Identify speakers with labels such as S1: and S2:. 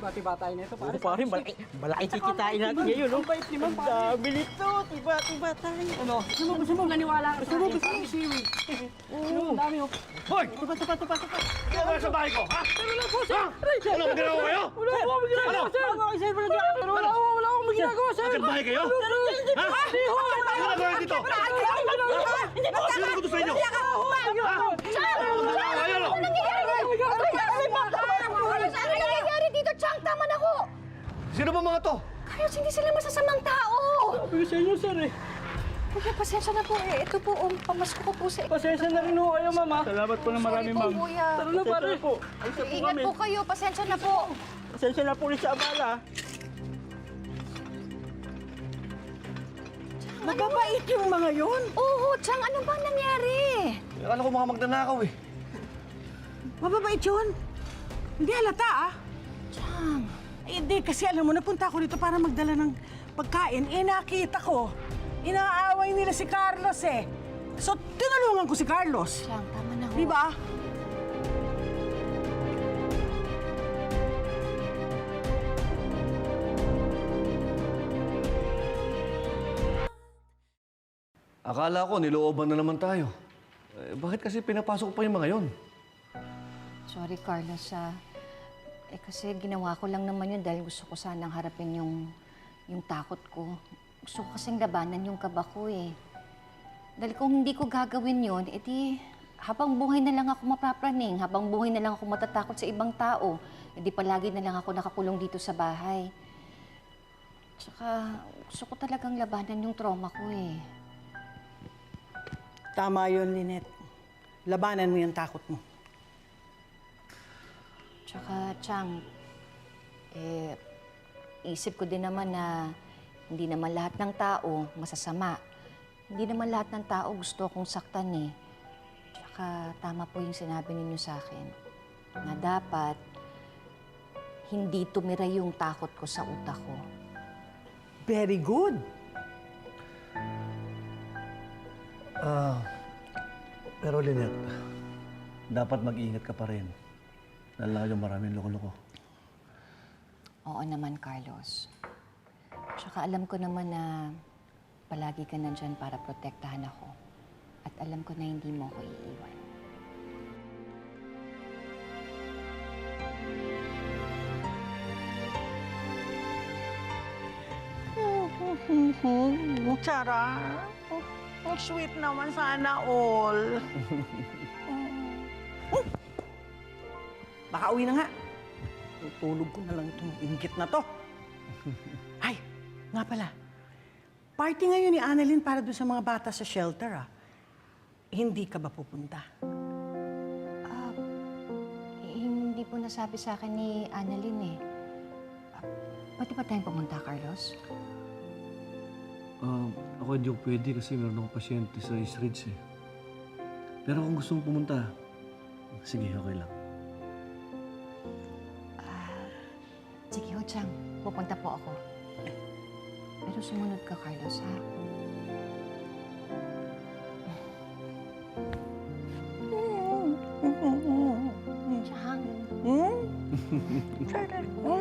S1: Tiba-tiba tayo nito, pare.
S2: Oo, pare, malaki kikitain natin ngayon, no?
S1: Ang bait naman,
S2: Ang
S1: pare.
S2: dami nito, tiba-tiba tayo.
S1: Ano? Gusto mo naniwala ka sa akin? Parang siwi. Ang dami, oh.
S3: Hoy!
S2: Tupa.
S3: Hindi ako sa bahay ko, ha?
S1: Pero lang po, sir.
S3: Ha? Ano, maganawa kayo?
S1: Wala akong ginagawa, sir. Wala akong ginagawa, sir.
S3: Magkat bahay kayo? Ha?
S1: Hindi ho, wala
S3: Ano nagawa dito? Sino ko sa inyo? Maganawa kayo, no?
S4: Ano nangyayari dito, Chang? Tama na ho!
S3: Sino ba mga to?
S4: Carlos, hindi sila masasamang tao!
S1: Sabi sa inyo, sir, eh.
S4: Kuya, pasensya na po eh. Ito po, pamasko ko po sa...
S1: Pasensya na rin ho kayo, mama.
S2: Salamat po ng marami,
S4: Sorry po,
S2: ma'am.
S4: kuya.
S1: Tara na, pare.
S2: po. Alisa po
S4: Ingat
S2: kami.
S4: po kayo. Pasensya na po.
S2: Pasensya na po ulit sa abala.
S5: Mababait yung mga yun.
S4: Oo, Chang, ano ba nangyari?
S3: Akala ko mga magnanakaw, eh.
S5: Mababait yun. Hindi halata, ah.
S4: Chang,
S5: Hindi, kasi alam mo, napunta ako dito para magdala ng pagkain. Eh, nakita ko, inaaway nila si Carlos, eh. So, tinulungan ko si Carlos.
S4: Chang, tama na ho.
S5: Di ba?
S3: Akala ko, nilooban na naman tayo. Bakit kasi pinapasok ko pa yung mga yon?
S4: Sorry, Carlos, kasi ginawa ko lang naman yun dahil gusto ko sanang harapin yung takot ko. Gusto ko kasing labanan yung kaba ko, eh. Dahil kung hindi ko gagawin yun, edi habang buhay na lang ako mapapraning, habang buhay na lang ako matatakot sa ibang tao, edi palagi na lang ako nakakulong dito sa bahay. Tsaka gusto ko talagang labanan yung trauma ko, eh.
S5: Tama yun, Lynette. Labanan mo yung takot mo.
S4: Tsaka, Chang, isip ko din naman na hindi naman lahat ng tao masasama. Hindi naman lahat ng tao gusto akong saktan, eh. Tsaka, tama po yung sinabi ninyo sa akin na dapat hindi tumira yung takot ko sa utak ko.
S5: Very good.
S3: Pero Lynette, dapat mag-iingat ka pa rin. Lalo yung maraming loko-loko.
S4: Oo naman, Carlos. Tsaka alam ko naman na palagi ka nandyan para protektahan ako. At alam ko na hindi mo ako iiwan.
S5: Tara. Ang sweet naman sana all. Baka uwi na nga. Tutulog ko na lang itong inggit na to. Ay, nga pala. Party ngayon ni Annalyn para doon sa mga bata sa shelter, ah. Hindi ka ba pupunta?
S4: Hindi po nasabi sa akin ni Annalyn, eh. Pwede ba tayong pumunta, Carlos?
S3: Ako hindi ko pwede kasi meron akong pasyente sa East Ridge, eh. Pero kung gusto mong pumunta, sige, okay lang.
S4: Sige ho, Chang. Pupunta po ako. Pero sumunod ka, Carlos, ha? Chang.
S5: Hmm?